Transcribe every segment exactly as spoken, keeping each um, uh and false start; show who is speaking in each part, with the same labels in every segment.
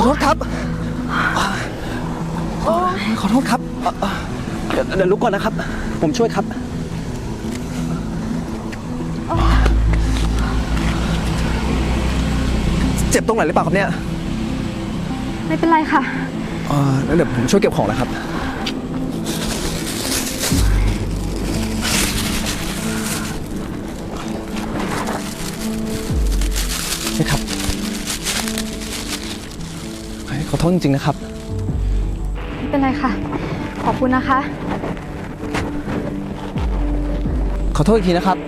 Speaker 1: โทษครับขอโทษครับเดี๋ยวเดี๋ยวลุกก่อนนะครับผมช่วยครับเจ็บตรงไหนหรือเปล่าครับเนี่ย
Speaker 2: ไม่เป็นไรค่ะ
Speaker 1: เออแล้วเดี๋ยวผมช่วยเก็บของนะครับนี่ครับขอโทษจริงๆนะครับ
Speaker 2: ไม่เป็นไรค่ะขอบคุณนะคะ
Speaker 1: ขอโทษอีกทีนะครับ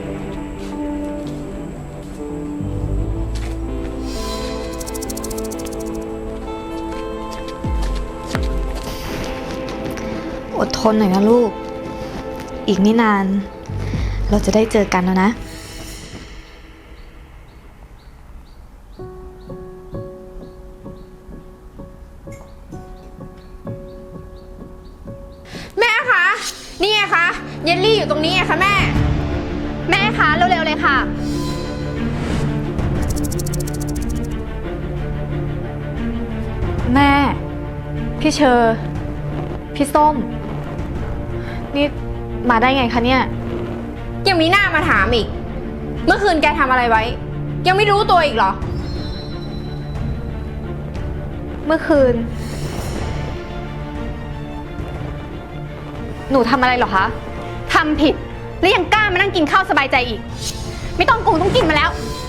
Speaker 2: อดทนหน่อยนะลูกอีกไม่นานเราจะได้เจอกันแล้วนะ
Speaker 3: แม่คะนี่ไงคะเยลลี่อยู่ตรงนี้ไงคะแม่แม่คะเร็วๆเลยค่ะ
Speaker 2: แม่พี่เชอร์พี่ส้มนี่มาได้ไงคะเนี่ย
Speaker 3: ยังมีหน้ามาถามอีกเมื่อคืนแกทำอะไรไว้ยังไม่รู้ตัวอีกเหรอ
Speaker 2: เมื่อคืนหนูทำอะไรเหรอคะ
Speaker 3: ทำผิดแล้วยังกล้ามานั่งกินข้าวสบายใจอีกไม่ต้องกูต้องกินมาแล้ว